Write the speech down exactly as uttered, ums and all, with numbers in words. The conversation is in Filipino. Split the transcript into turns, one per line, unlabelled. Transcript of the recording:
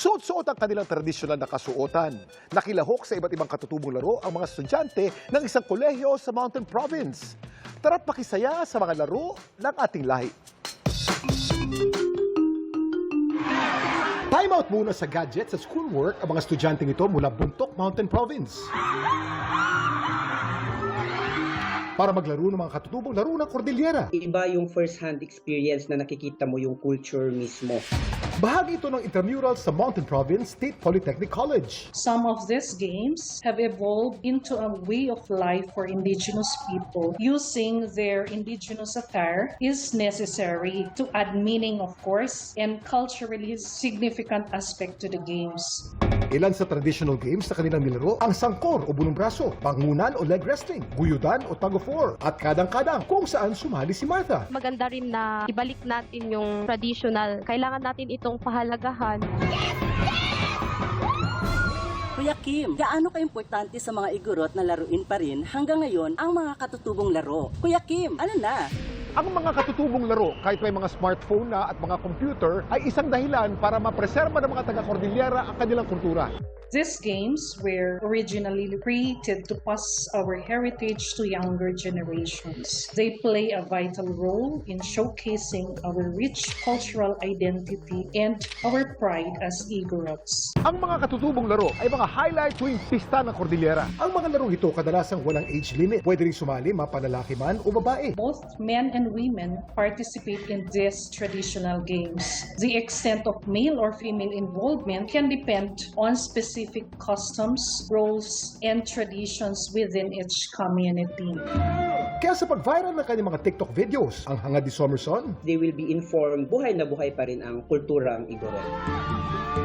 Suot-suot ang kanilang tradisyonal na kasuotan. Nakilahok sa iba't ibang katutubong laro ang mga estudyante ng isang kolehiyo sa Mountain Province. Tara't makisaya sa mga laro ng ating lahi. Time out muna sa gadget sa schoolwork ang mga estudyanteng ito mula Buntok, Mountain Province. Para maglaro ng mga katutubong laro ng Cordillera.
Iba yung first-hand experience na nakikita mo yung culture mismo.
Bahagi ito ng intramural sa Mountain Province State Polytechnic College.
Some of these games have evolved into a way of life for indigenous people. Using their indigenous attire is necessary to add meaning, of course, and culturally significant aspect to the games.
Ilan sa traditional games na kanilang nilaro ang sangkor o bunong braso, bangunan o leg wrestling, guyudan o tug of war, at kadang-kadang kung saan sumali si Martha.
Maganda rin na ibalik natin yung traditional. Kailangan natin itong pahalagahan.
Kuya Kim, gaano ka-importante sa mga igorot na laruin pa rin hanggang ngayon ang mga katutubong laro? Kuya Kim, ano na?
Ang mga katutubong laro, kahit may mga smartphone na at mga computer, ay isang dahilan para mapreserba ng mga taga-Cordillera ang kanilang kultura.
These games were originally created to pass our heritage to younger generations. They play a vital role in showcasing our rich cultural identity and our pride as Igorots.
Ang mga katutubong laro ay mga highlight tuwing pista ng Cordillera. Ang mga larong ito kadalasang walang age limit. Pwede rin sumali mapanlalaki man o babae.
Both men and women participate in these traditional games. The extent of male or female involvement can depend on specific customs, roles, and traditions within each community.
Kaya sa pag-viral ng kanyang mga TikTok videos, ang hangad ni Somerson,
They will be informed, buhay na buhay pa rin ang kulturang Igorot.